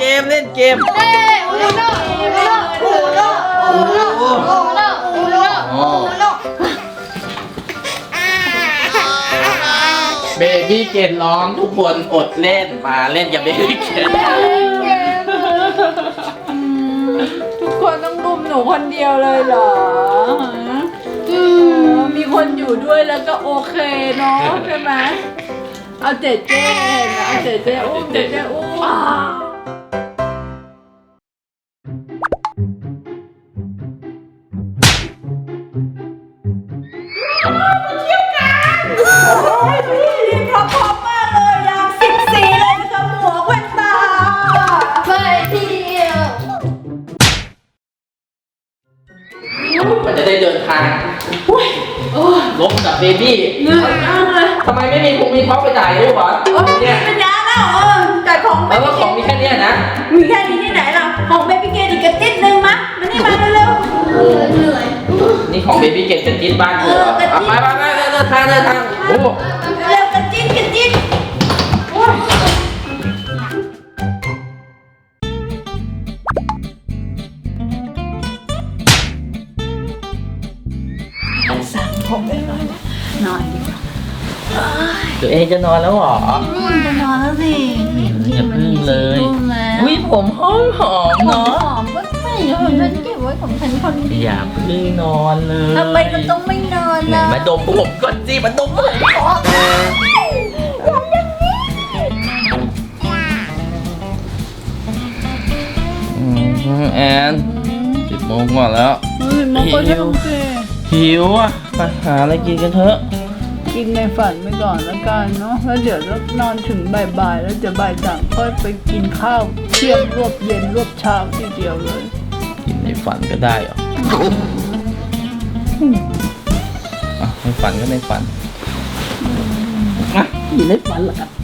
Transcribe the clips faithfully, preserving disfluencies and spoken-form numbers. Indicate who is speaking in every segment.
Speaker 1: มเล่นเกม
Speaker 2: เอ้ยอูโน่อูโน่อูโน่อูโน่อูโน่อูโน่อูโน่
Speaker 1: เบบี้เกนร้องทุกคนอดเล่นมาเล่นกับเบบี้เกน
Speaker 3: ทุกคนต้องรุมหนูคนเดียวเลยเหรอมีคนอยู่ด้วยแล้วก็โอเคเนาะใช่ไหมเอาเจ๊เจ๊เอาเจ๊เจ๊อุ้มเจ๊เจ๊อุ้มพร้อมมากเลยยางสิบสี่เลยนะคะหมวกแว่นตา
Speaker 2: ไปเที่ยว
Speaker 1: มันจะได้เดินทางลบกับเบบี้
Speaker 3: เหนื่อยมากเลย
Speaker 1: ทำไมไม่มีผมมีเขาไปจ่ายด้วยวะเนี่ย
Speaker 3: เป็นยาแล้วเออแต่ของ
Speaker 1: แล้วก็ของมีแค่นี้นะ
Speaker 3: มีแค่นี้ที่ไหนล่ะของเบบี้เกนอีกกระติ๊ดนึงมะมันนี่มาเร็ว
Speaker 2: เหนื่อย
Speaker 1: นี่ของเบบี้เกนเป็นจิ๊ดบ้านเธอไปไปไปเดินทางเดินทางโอ้
Speaker 3: เร็วกระจิ๊ดกระจิ๊ดสั่งผมไปนอนนอนดีกว่า
Speaker 1: ตัวเองจะนอนแล้วเหรอ
Speaker 3: จะนอนแล้วสิ
Speaker 1: อย่าพึ่งเลยอุ้ยผมหอมหอม
Speaker 3: หอ
Speaker 1: เนาะ
Speaker 3: มก็ใช่ของฉันเก็บไว้ของฉันคนเดียว
Speaker 1: อย่าพึ่งนอนเลย
Speaker 3: ทำไมมันต้องไม่นอน
Speaker 1: ไหน
Speaker 3: ล่ะ
Speaker 1: มาดมผมก่อนสิมาดมผมก่อนแอนสิบโมงกว่าแล้ว
Speaker 3: เฮ้ยมันก็จะโอเค
Speaker 1: หิวอ่ะไปหาอะไรกินกันเถอะ
Speaker 3: กินในฝันไปก่อนแล้วกันเนาะแล้วเดี๋ยวจะนอนถึงบ่ายๆแล้วจะบ่ายสามค่อยไปกินข้าวเที่ยงรวบเย็นรวบเช้าทีเดียวเลย
Speaker 1: กินในฝันก็ได้เหรออ่ะในฝันก็ในฝันอ่ะกินในฝันเหรอครับ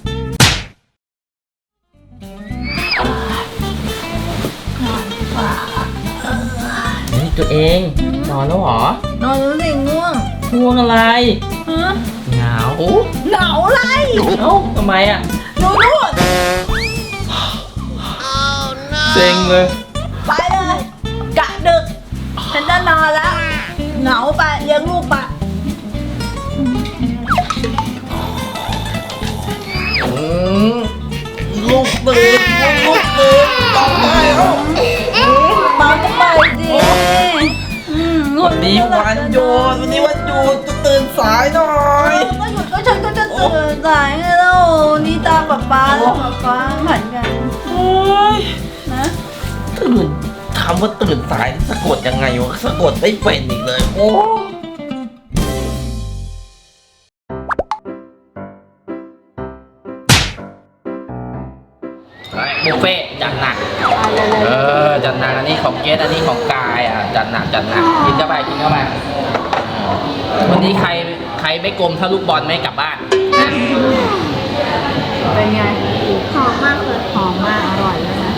Speaker 1: เฮ้ยตัวเองนอนแล้วเหรอ
Speaker 3: นอนแล้วสิง่วง
Speaker 1: ง่วงอะไร
Speaker 3: ฮะ
Speaker 1: เหงา
Speaker 3: หนาวไร
Speaker 1: เอ้าทำไมอ่ะ
Speaker 3: หนูนวด
Speaker 1: เซ็งเลย
Speaker 3: ไปเลยกะดึกฉันจะนอนแล้วเหงาไปเลี้ยงลูกไป
Speaker 1: อืมลูกตื่นลูกตื่นต้องได้แล้ว
Speaker 3: มาก็ไปสิอืม
Speaker 1: วันนี้วันหยุดวันนี้วันหยุดจะตื่นสายหน่อย
Speaker 3: ก็หยุดก็ฉันก็จะตื่นสายไงเล่านี่ตามป๊าป๊าแล้วป๊าป๊าผันกัน
Speaker 1: โอ้ย
Speaker 3: นะ
Speaker 1: ตื่นคำว่าตื่นสายสะกดยังไงวะสะกดไม่เป็นอีกเลยโอ้บุฟเฟ่จัดหนักเออจัดหนักอันนี้ของเกสอันนี้ของกายอ่ะจัดหนักจัดหนักกินเข้าไปกินเข้าไปวันนี้ใครใครไม่กลมถ้าลูกบอลไม่กลับบ้านนะ
Speaker 3: เป็นไง
Speaker 2: หอมมากเลย
Speaker 3: หอมมากอร่อยเลยนะ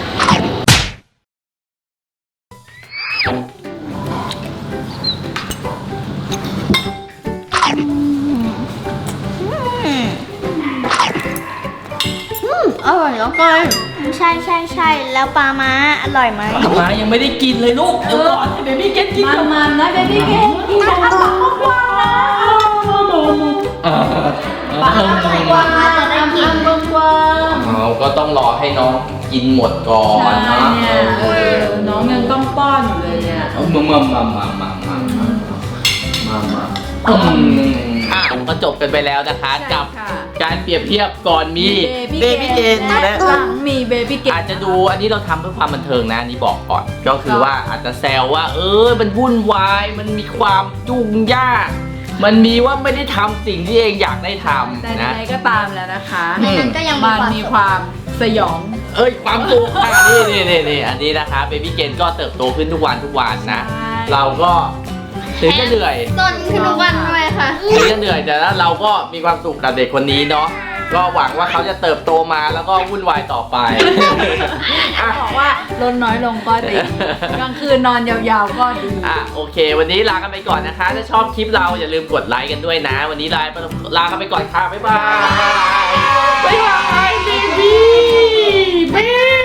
Speaker 2: อร่อยแล้วก็ใช่ใช่ใช่แล้วปลาม้าอร่อยไหม
Speaker 1: มายังไม่ได้กินเลยลูกเดี๋ยวก่อนให้เบบี้เกตกิน
Speaker 3: มันมันนะเบบี้เกนกินปลาปลากวางนะ
Speaker 1: เออ
Speaker 3: ปลากวางนะจะได้กินปลากวาง
Speaker 1: เราก็ต้องรอให้น้องกินหมดก่อน
Speaker 3: ใช่
Speaker 1: นะ
Speaker 3: เนี่ยเออน้องยังต้องป้อนอยู่เลยเนี่ย
Speaker 1: เอามามามามามามามามามาอืมอ่ะก็จบกันไปแล้วนะคะกับการเปรียบเทียบก่อนมีเบบี้เกนและ
Speaker 3: หลังมีเบบี้เกน
Speaker 1: อาจจะดูอันนี้เราทำเพื่อความบันเทิงนะอันนี้บอกก่อน ก็คือว่าอาจจะแซวว่า เออมันวุ่นวายมันมีความจุ่งยากมันมีว่าไม่ได้ทำสิ่งที่เองอยากได้ท
Speaker 3: แต่
Speaker 1: ำ
Speaker 3: ใด
Speaker 1: นะ
Speaker 3: ๆก็ตามแล้วนะคะ
Speaker 2: ในนั้นก็ยังมี
Speaker 3: มัน
Speaker 2: ความ
Speaker 3: มี
Speaker 2: สุข
Speaker 3: ความสยอง
Speaker 1: เอ้ยความสุขอ่ะนี่นี่นี่นี่อันนี้นะคะเบบี้เกนก็เติบโตขึ้นทุกวันทุกวันนะ
Speaker 3: ใช่
Speaker 1: เราก็ถึงจะเหนื่อย
Speaker 2: ต้นขึ้นทุกวันด้วยค่ะ
Speaker 1: ถึงจะเหนื่อยแต่แล้วเราก็มีความสุขกับเด็กคนนี้เนาะก็หวังว่าเขาจะเติบโตมาแล้วก็วุ่นวายต่อไปอ่ะ
Speaker 3: บอกว่าลดน้อยลงก็ดีกลางคืนนอนยาวๆก็ดี
Speaker 1: อ่ะโอเค วันนี้ลากันไปก่อนนะคะถ้าชอบคลิปเราอย่าลืมกดไลค์กันด้วยนะ วันนี้ลาลากันไปก่อนค่ะบ๊ายบายบ๊ายบายเบบี้เบ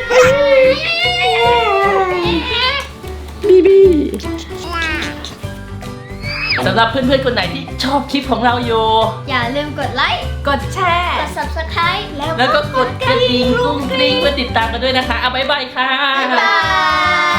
Speaker 1: บีบีสำหรับเพื่อนๆคนไหนที่ชอบคลิปของเราอยู่
Speaker 2: อย่าลืมกดไลค์
Speaker 1: กดแชร์
Speaker 2: กด ซับสไครบ์
Speaker 1: แล้วก็กดกระดิ่งกรุ้งกริ้งเพื่อติดตามกันด้วยนะคะเอาบ๊ายบายค่ะ
Speaker 2: บ๊ายบาย